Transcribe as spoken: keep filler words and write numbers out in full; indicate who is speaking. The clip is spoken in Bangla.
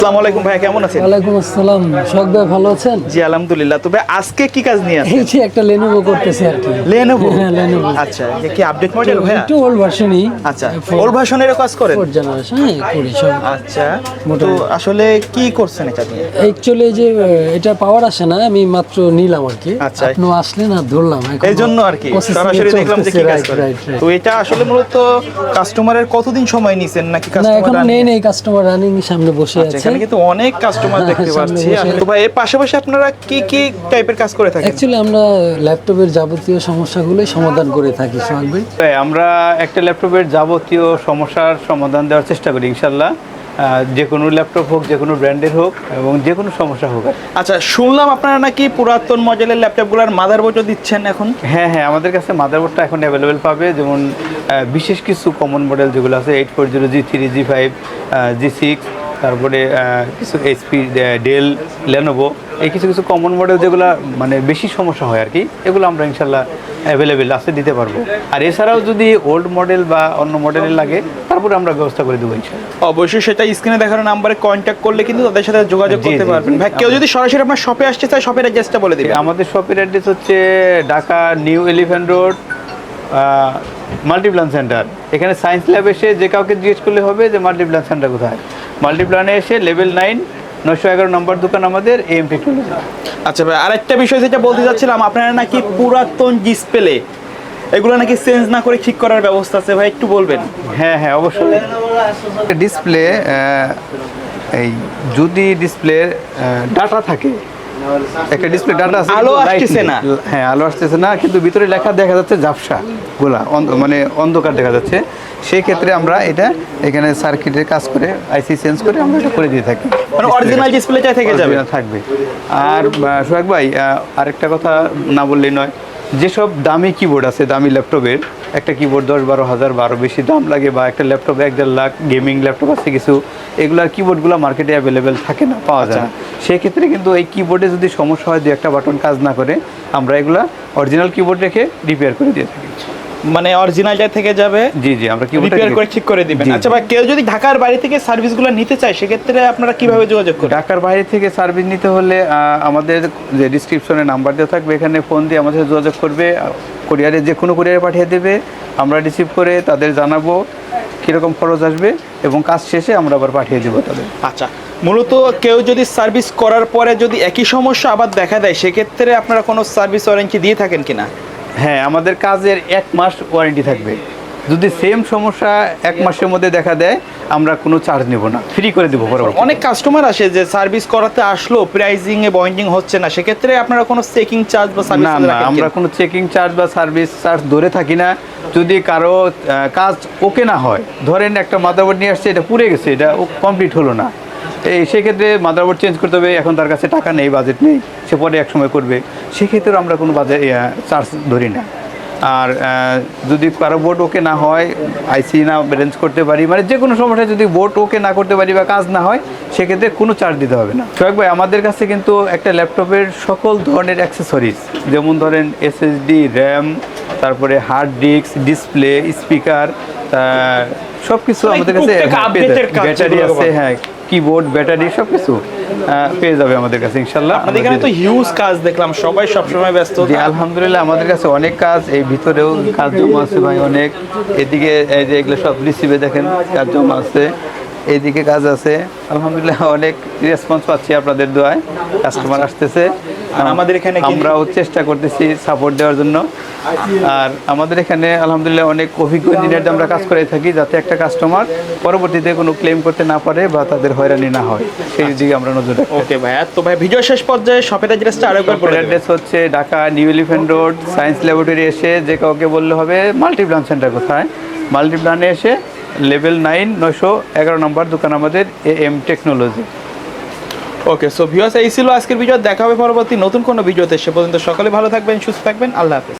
Speaker 1: আসসালামু আলাইকুম ভাই, কেমন আছেন?
Speaker 2: ওয়ালাইকুম আসসালাম। শখ ভাই, ভালো আছেন?
Speaker 1: জি আলহামদুলিল্লাহ। তবে আজকে কি কাজ নিয়ে আছেন?
Speaker 2: এই যে একটা Lenovo করতেছি আর কি।
Speaker 1: Lenovo?
Speaker 2: হ্যাঁ, Lenovo।
Speaker 1: আচ্ছা, এটা কি আপডেট মডেল ভাই?
Speaker 2: একটু ওল্ড ভার্সনই।
Speaker 1: আচ্ছা, ওল্ড ভার্সনের কাজ করেন?
Speaker 2: ফোর্থ জেনারেশন, হ্যাঁ করি সব।
Speaker 1: আচ্ছা, তো আসলে কি করছেন এটা নিয়ে?
Speaker 2: অ্যাকচুয়ালি যে এটা পাওয়ার আসে না, আমি মাত্র নিলাম আর কি।
Speaker 1: আচ্ছা,
Speaker 2: আপনি আসলেন আর ধরলাম এখন।
Speaker 1: এই জন্য আর কি সরাসরি দেখলাম যে কি কাজ করেন। তো এটা আসলে মূলত কাস্টমারের কতদিন সময় নিছেন নাকি
Speaker 2: না
Speaker 1: কাস্টমার?
Speaker 2: এখন নেই নেই, কাস্টমার রানিং সামনে বসে
Speaker 1: আচ্ছা,
Speaker 2: আছে।
Speaker 1: এখানে কিন্তু অনেক কাস্টমার দেখতে
Speaker 2: সামনে
Speaker 1: পাচ্ছি।
Speaker 2: বসে।
Speaker 1: আসলে ভাই এর পাশাপাশি আপনারা কি কি টাইপের কাজ করে থাকেন?
Speaker 2: অ্যাকচুয়ালি আমরা ল্যাপটপের যাবতীয় সমস্যাগুলোই সমাধান করে থাকি সোহাগ ভাই।
Speaker 3: তাই আমরা একটা ল্যাপটপের যাবতীয় সমস্যার সমাধান দেওয়ার চেষ্টা করি ইনশাল্লাহ। আহ, যে কোনো ল্যাপটপ হোক, যে কোনো ব্র্যান্ডের হোক এবং যে কোনো সমস্যা হোক।
Speaker 1: আচ্ছা, শুনলাম আপনারা নাকি পুরাতন মডেলের ল্যাপটপগুলোর মাদারবোর্ডও দিচ্ছেন এখন?
Speaker 3: হ্যাঁ হ্যাঁ আমাদের কাছে মাদারবোর্ডটা এখন অ্যাভেলেবেল পাবে। যেমন আহ, বিশেষ কিছু কমন মডেল যেগুলো আছে eight four zero G three G five G six, তারপরে আহ, কিছু এইচপি ডেল লেনোভো, এই কিছু কিছু কমন মডেল যেগুলো মানে বেশি সমস্যা হয় আর কি, এগুলো আমরা ইনশাল্লাহ অ্যাভেলেবেল আছে দিতে পারবো। আর এছাড়াও যদি ওল্ড মডেল বা অন্য মডেলের লাগে তারপরে আমরা ব্যবস্থা করে দেবো ইনশাল্লাহ।
Speaker 1: অবশ্যই সেটা স্ক্রিনে দেখানো নাম্বারে কন্ট্যাক্ট করলে কিন্তু তাদের সাথে যোগাযোগ
Speaker 3: জি,
Speaker 1: করতে
Speaker 3: জি,
Speaker 1: পারবেন।
Speaker 3: জি।
Speaker 1: ভাই কেউ যদি সরাসরি আপনার শপে আসতে চায়, শপের অ্যাড্রেসটা বলে দিবেন।
Speaker 3: আমাদের শপের অ্যাড্রেস হচ্ছে Dhaka new elephant road, multiplan center. এখানে সায়েন্স ল্যাব এসে যে কাউকে জিজ্ঞেস করলে হবে যে মাল্টিপ্লান সেন্টার কোথায়। মাল্টিপ্লানে এসে লেভেল নাইন নয়শো এগারো নম্বর দোকান আমাদের এম টেকনোলজি।
Speaker 1: আচ্ছা ভাই, আরেকটা বিষয় যেটা বলতে চাচ্ছিলাম, আপনারা নাকি পুরাতন ডিসপ্লে এগুলো নাকি চেঞ্জ না করে ঠিক করার ব্যবস্থা আছে, ভাই একটু বলবেন?
Speaker 3: হ্যাঁ হ্যাঁ অবশ্যই। ডিসপ্লে এই যদি ডিসপ্লের ডাটা থাকে, একটা ডিসপ্লে ডাটা আছে,
Speaker 1: আলো
Speaker 3: কিন্তু
Speaker 1: আসতেছে
Speaker 3: light
Speaker 1: না।
Speaker 3: নেই। হ্যাঁ আলো আসতেছে না, কিন্তু ভিতরে লেখা দেখা যাচ্ছে ঝাপসা গোলা, অন্ধ- মানে অন্ধকার দেখা যাচ্ছে। সেই ক্ষেত্রে আমরা এটা এখানে সার্কিটের কাজ করে আইসি চেঞ্জ করে আমরা এটা করে দিয়ে থাকি।
Speaker 1: মানে অরিজিনাল ডিসপ্লেটা থেকে যাবে।
Speaker 3: Original থাকবে। আর আহ, সোহাগ ভাই, আহ, আরেকটা কথা না বললেই নয়, যেসব দামি কিবোর্ড আছে, দামি ল্যাপটপের একটা কিবোর্ড দশ বারো হাজার বারো বেশি দাম লাগে, বা একটা ল্যাপটপ এক দেড় লাখ গেমিং ল্যাপটপ আছে কিছু, এগুলার কিবোর্ডগুলো মার্কেটে অ্যাভেলেবেল থাকে না, পাওয়া যায় না। সেই ক্ষেত্রে কিন্তু এই কিবোর্ডে যদি সমস্যা হয়, দু একটা বাটন কাজ না করে, আমরা এগুলা অরিজিনাল কিবোর্ড রেখে রিপেয়ার করে দিয়ে থাকি।
Speaker 1: মানে অরিজিনালটা থেকে যাবে,
Speaker 3: জি জি আমরা কিবোর্ড
Speaker 1: রিপেয়ার করে ঠিক করে দিবেন।
Speaker 3: জি,
Speaker 1: আচ্ছা ভাই, কেউ যদি ঢাকার বাইরে থেকে সার্ভিসগুলো নিতে চায়, সেক্ষেত্রে আপনারা কিভাবে যোগাযোগ করবেন?
Speaker 3: ঢাকার বাইরে থেকে সার্ভিস নিতে হলে আহ, আমাদের যে ডিসক্রিপশনে নাম্বার দেওয়া থাকবে, এখানে ফোন দিয়ে আমাদের সাথে যোগাযোগ করবে। কুরিয়ারে যে কোনো কুরিয়ারে পাঠিয়ে দেবে, আমরা রিসিভ করে তাদের জানাবো কীরকম খরচ আসবে, এবং কাজ শেষে আমরা আবার পাঠিয়ে দেবো তাদের।
Speaker 1: আচ্ছা, মূলত কেউ যদি সার্ভিস করার পরে যদি একই সমস্যা আবার দেখা দেয়, সেক্ষেত্রে আপনারা কোনো সার্ভিস ওয়ারেন্টি দিয়ে থাকেন কিনা?
Speaker 3: হ্যাঁ, আমাদের কাজের এক মাস ওয়ারেন্টি থাকবে। যদি সেম সমস্যা এক মাসের মধ্যে দেখা দেয়, আমরা কোনো চার্জ নেব না, ফ্রি করে দেবো বরাবর।
Speaker 1: অনেক কাস্টমার আসে যে সার্ভিস করাতে আসলো, প্রাইজিং এ বন্ডিং হচ্ছে না, সেক্ষেত্রে আপনারা কোনো চেকিং চার্জ বা সার্ভিস
Speaker 3: না না, আমরা কোনো চেকিং চার্জ বা সার্ভিস চার্জ ধরে থাকি না। যদি কারো আহ, কাজ ওকে না হয়, ধরেন একটা মাদারবোর্ড নিয়ে আসছে, এটা পুড়ে গেছে, এটা কমপ্লিট হলো না, এই সেক্ষেত্রে মাদারবোর্ড চেঞ্জ করতে হবে, এখন তার কাছে টাকা নেই, বাজেট নেই, সে পরে এক সময় করবে, সেক্ষেত্রে আমরা কোনো বাজেট চার্জ ধরি না। আর আহ, যদি কারো বোর্ড ওকে না হয়, আইসি না ব্যালেন্স করতে পারি, মানে যে কোনো সমস্যায় যদি বোর্ড ওকে না করতে পারি বা কাজ না হয়, সেক্ষেত্রে কোনো চার্জ দিতে হবে না। সোহাগ ভাই, আমাদের কাছে কিন্তু একটা ল্যাপটপের সকল ধরনের অ্যাক্সেসরিজ, যেমন ধরেন এসএসডি, র্যাম, তারপরে হার্ড ডিস্ক, ডিসপ্লে, স্পিকার, সব কিছু আমাদের কাছে, ব্যাটারি আছে, হ্যাঁ কিবোর্ড, ব্যাটারি সব কিছু পেয়ে যাবে আমাদের কাছে ইনশাল্লাহ।
Speaker 1: আমাদের এখানে তো হিউজ কাজ দেখলাম, সবাই সবসময় ব্যস্ত।
Speaker 3: জি আলহামদুলিল্লাহ, আমাদের কাছে অনেক কাজ, এই ভিতরেও কাজ জমা আছে ভাই অনেক। এদিকে এই যে এগুলো সব রিসিভে দেখেন কাজ জমা আছে, এইদিকে কাজ আছে। আলহামদুলিল্লাহ অনেক রেসপন্স পাচ্ছি আপনাদের দোয়ায়, কাস্টমার আসতেছে,
Speaker 1: আর আমাদের এখানে কিন্তু-
Speaker 3: আমরাও চেষ্টা করতেছি সাপোর্ট দেওয়ার জন্য। আর আমাদের এখানে আলহামদুলিল্লাহ অনেক অভিজ্ঞ ইঞ্জিনিয়ার আমরা কাজ করে থাকি, যাতে একটা কাস্টমার পরবর্তীতে কোনো ক্লেম করতে না পারে বা তাদের হয়রানি না হয়, সেই দিকে আমরা নজর রাখি।
Speaker 1: ওকে ভাইয়া, তো ভাই ভিডিও শেষ পর্যায়ে শপের অ্যাড্রেসটা আরেকবার বলে দেবেন।
Speaker 3: অ্যাড্রেস হচ্ছে Dhaka new elephant road, science laboratory এসে যে কাউকে বললে হবে মাল্টিপ্লান সেন্টার কোথায়। মাল্টিপ্লানে এসে লেভেল নাইন নয়শো এগারো নম্বর দোকান আমাদের A M technology.
Speaker 1: Okay, so viewers, এই ছিল আজকের ভিডিও। দেখা হবে পরবর্তী নতুন কোনো ভিডিওতে। সে পর্যন্ত সকলে ভালো থাকবেন, সুস্থ থাকবেন। আল্লাহ হাফেজ।